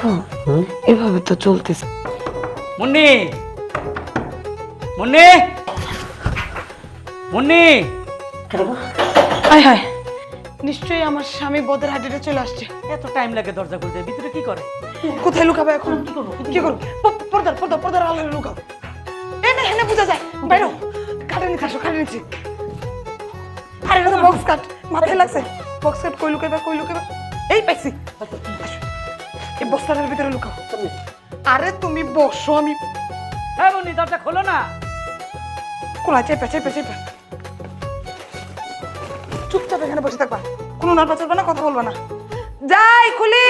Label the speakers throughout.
Speaker 1: দেখো এভাবে তো চলতেছে।
Speaker 2: মুন্নি, মুন্নি, মুন্নি।
Speaker 1: হায় হায়, নিশ্চয়ই আমার স্বামী বদের হাটিতে চলে আসছে।
Speaker 2: এত টাইম লাগে দরজা খুলতে, ভিতরে কি করে?
Speaker 1: কোথায় লুকাবে এখন? কি করবো? পর্দার পর্দা পর্দার আলো লুকাও। এনে এনে বুঝা যায়। বাইরো কাটে নিতে আসো, কাটে নিচ্ছি। আরে এটা তো বক্স কাট, মাথায় লাগছে। বক্স কাট কই লুকাইবা, কই লুকাইবা? এই পাইছি। আসো। এই বস্তাটার ভিতরে লুকাও। আরে তুমি বসো, আমি
Speaker 2: হ্যাঁ মুন্নি, দরজা খোলো না।
Speaker 1: কোলা চেপে চেপে চেপে চুপচাপ এখানে বসে থাকবা, কোনো নাড়া চলবে না, কথা বলবা না। যাই খুলি।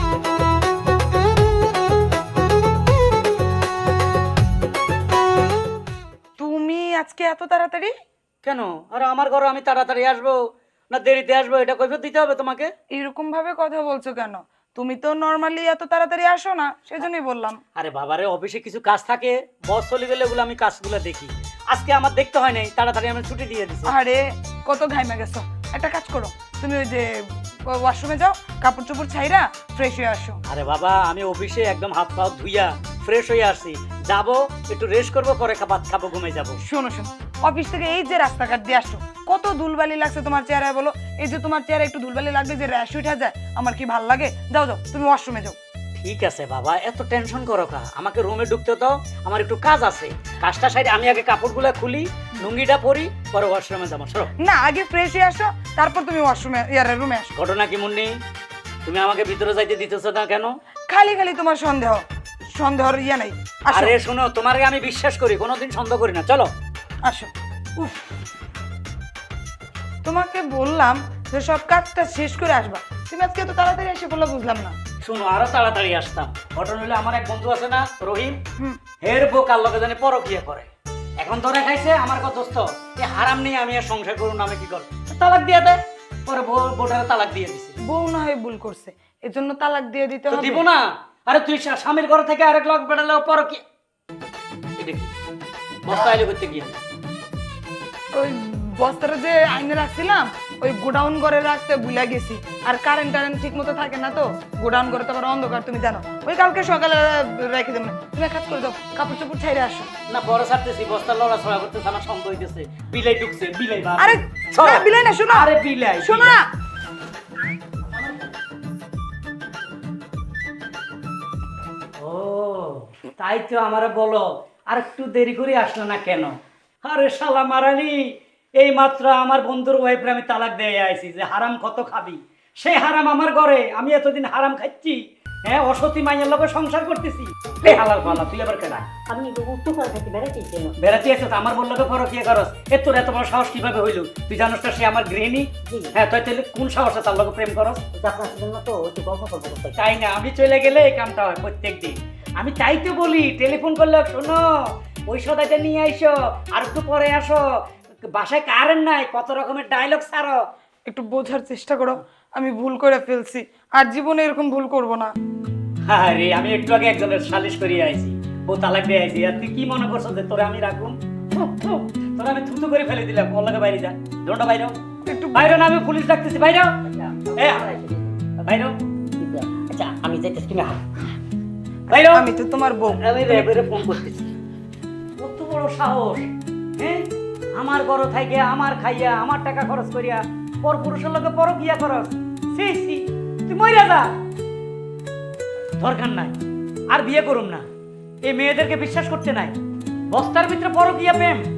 Speaker 1: তুমি আজকে এত তাড়াতাড়ি
Speaker 2: কেন? আরে আমার ঘরে আমি তাড়াতাড়ি আসবো না দেরিতে আসবো এটা কৈফিয়ত দিতে হবে তোমাকে?
Speaker 1: এরকম ভাবে কথা বলছো কেন? তুমি তো নরমালি এত তাড়াতাড়ি আসো না, সেজন্যই বললাম।
Speaker 2: আরে বাবারে, অফিসে কিছু কাজ থাকে, বস চলে গেলে ওগুলো আমি কাজগুলো দেখি। আজকে আমার দেখতে হয় নাই, তাড়াতাড়ি আমি ছুটি দিয়ে দিছি।
Speaker 1: আরে কত ঘাইমা গেছো, একটা কাজ করো, তুমি ওই যে ওয়াশরুমে যাও, কাপড় চোপড় ছাইরা ফ্রেশ হয়ে আসো।
Speaker 2: আরে বাবা, আমি অফিসে একদম হাত পা ধুইয়া ফ্রেশ হয়ে আসছি, যাবো একটু রেস্ট করবো, পরে ভাত খাবো, ঘুমিয়ে যাবো।
Speaker 1: শোনো শোনো, অফিস থেকে এই যে রাস্তাঘাট দিয়ে আসো, কত ধুলবালি লাগছে তোমার চেহারায় বলো। এই যে তোমার চেহারা একটু ধুলবালি লাগবে যে র্যাশ উঠে যায়, আমার কি ভাল লাগে? যাও যাও, তুমি ওয়াশরুমে যাও।
Speaker 2: ঠিক আছে বাবা, এত টেনশন করো কা? আমাকে রুমে ঢুকতে দাও, আমার একটু কাজ আছে। কাজটা সাইডে আমি আগে কাপড়গুলো খুলি, লুঙ্গিটা পরি, পরে ওয়াশরুমে যাবো। সরো
Speaker 1: না, আগে ফ্রেশ হয়ে আসো, তারপর তুমি ওয়াশরুমে রুমে আসো।
Speaker 2: ঘটনা কি মুন্নি? তুমি আমাকে ভিতরে যাইতে দিতেছো না কেন?
Speaker 1: খালি খালি তোমার সন্দেহ, সন্দেহর নাই। আসো
Speaker 2: আরে শোনো, তোমারে আমি বিশ্বাস করি, কোনোদিন সন্দেহ করি না। চলো
Speaker 1: আসো। উফ, তোমাকে বললাম যে সব কাজটা শেষ করে আসবা, তুমি আজকে এত তাড়াতাড়ি এসে বললে বুঝলাম না।
Speaker 2: শোনো, আরো তাড়াতাড়ি আসতাম। ঘটনা হলো, আমার এক বন্ধু আছে না, রহিম,
Speaker 1: হুম।
Speaker 2: হের বউ কার লগে জানি পরকিয়া করে। এখন ধরে খাইছে আমার কত দোস্ত, এই হারাম নিয়ে আমি আর সংসার করুন না, আমি কি করব? তালাক দিয়ে দেয়। পরে বউটারে তালাক দিয়ে দিছে।
Speaker 1: বউ না হয় ভুল করছে, এজন্য তালাক দিয়ে দিতে
Speaker 2: তো
Speaker 1: হবে।
Speaker 2: দিব না? আরে তুই স্বামীর ঘর থেকে আরেক লোক বেড়ালে পরকিয়া, এটা কি বস্তা আইলে করতে গিয়ে?
Speaker 1: ওই বস্তাটা যে আইনে রাখছিলাম, ওই গোডাউন ঘরে রাখতে ভুলে গেছি। আর কারেন্ট টারেন্ট ঠিক মতো থাকে না তো, গোডাউন ঘরে তো আবার অন্ধকার, তুমি জানো। ওই কালকে সকালে রেখে দেবো। তুমি এক কাজ করে দাও, কাপড় চোপড় ছাইরে আসো।
Speaker 2: না, বড় ছাড়তেছি, বস্তা লড়া ছড়া করতেছে, আমার সন্দেহ হইতেছে বিলাই ঢুকছে। বিলাই বা
Speaker 1: আরে
Speaker 2: ছড়া।
Speaker 1: না, বিলাই না, শোনো।
Speaker 2: আরে বিলাই,
Speaker 1: শোনো না।
Speaker 2: ও তাই তো আমারে বলো, আর একটু দেরি করে আসলো না কেন? আরে শালা মারানি, এই মাত্র আমার বন্ধুর ওয়াইফরে আমি তালাক দিয়ে আইছি যে হারাম কত খাবি। সেই হারাম আমার ঘরে, আমি এতদিন হারাম খাচ্ছি। হ্যাঁ, অসতী মাইয়ের লোকের সংসার করতেছি। এই হালাল পালা, তুই আবার কেনা?
Speaker 3: আমি উত্তর করা থাকি বেড়াইতে কেন?
Speaker 2: বেড়াতে আসছ, আমার বললো পরকিয়া করস। তোর এত বড় সাহস কিভাবে হইল? তুই জানোস না সে আমার গৃহিণী? হ্যাঁ, তুই তাহলে কোন সাহসে তার লোক প্রেম করস?
Speaker 3: আপনার জন্য তো একটু গল্প করবো করতে।
Speaker 2: তাই না? আমি চলে গেলে এই কামটা হয় প্রত্যেক দিন। আমি তাই তো বলি, টেলিফোন করলে শোনো, ওই সদাইটা নিয়ে আইসো, আর একটু পরে আসো, বাসায় কারেন্ট নাই, কত রকমের ডায়লগ ছাড়ো।
Speaker 1: একটু বোঝার চেষ্টা করো, আমি ভুল করে ফেলছি, আর জীবনে এরকম ভুল করব না।
Speaker 2: আরে আমি একটু আগে একজনের সালিশ করিয়ে আইছি, ও তালাক দিয়ে আইছি। আর তুই কি মনে করছো যে তোরে আমি রাখুন? তোরা আমি থুতু করে ফেলে দিলাম। ওর লাগে বাইরে যা, দোনটা বাইরে
Speaker 1: একটু
Speaker 2: বাইরে না, আমি পুলিশ ডাকতেছি, বাইরে বাইরে
Speaker 3: আচ্ছা আমি যাইতেছি, তুমি
Speaker 2: বাইরে।
Speaker 1: আমি তো তোমার বউ।
Speaker 2: আমি র্যাবেরে ফোন করতেছি। কত বড় সাহস! হ্যাঁ, আমার বড় থাইকে, আমার খাইয়া, আমার টাকা খরচ করিয়া পর পুরুষের লোকে পরকিয়া খরচ। সেই তুই মইরা যা, দরকার নাই, আর বিয়ে করুম না। এই মেয়েদেরকে বিশ্বাস করতে নাই। বস্তার ভিতরে পরকিয়া প্রেম।